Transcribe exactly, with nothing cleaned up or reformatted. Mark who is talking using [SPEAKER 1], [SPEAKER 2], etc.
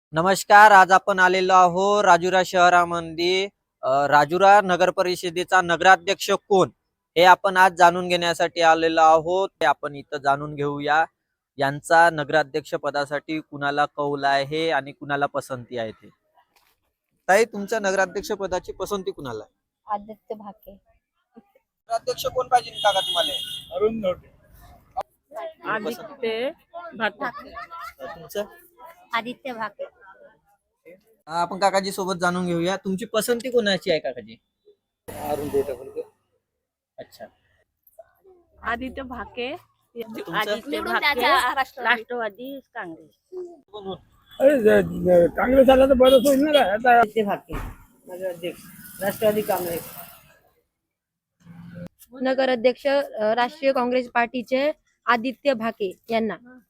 [SPEAKER 1] नमस्कार. आज आपण आलेलो आहोत राजुरा शहरामध्ये. अ, राजुरा नगर परिषदेचा नगराध्यक्ष कोण हे आपण आज जाणून घेण्यासाठी आलेलो आहोत. ते आपण इथं जाणून घेऊया यांचा नगराध्यक्ष पदासाठी कुणाला कौल आहे आणि कुणाला पसंती आहे ते. ताई, तुमच्या नगराध्यक्ष पदाची पसंती कुणाला आहे?
[SPEAKER 2] आदित्य भाके.
[SPEAKER 1] नगराध्यक्ष कोण पाहिजे काका तुम्हाला?
[SPEAKER 3] अरुण नवटे.
[SPEAKER 2] आदित्य भाके.
[SPEAKER 1] तुमचं?
[SPEAKER 2] आदित्य भाके.
[SPEAKER 1] आपण काकाजी सोबत जाणून घेऊया तुमची पसंती कोणाची आहे काकाजी?
[SPEAKER 3] अरुण देवटे.
[SPEAKER 1] अच्छा.
[SPEAKER 4] आदित्य भाके.
[SPEAKER 1] तुमचं?
[SPEAKER 4] आदित्य भाके राष्ट्रवादी काँग्रेस.
[SPEAKER 3] अरे ज- ज- काँग्रेस आला तर बरंच होईल ना काय आता.
[SPEAKER 5] आदित्य भाके नगराध्यक्ष राष्ट्रवादी काँग्रेस.
[SPEAKER 2] नगराध्यक्ष अ, राष्ट्रीय काँग्रेस पार्टीचे आदित्य भाके यांना.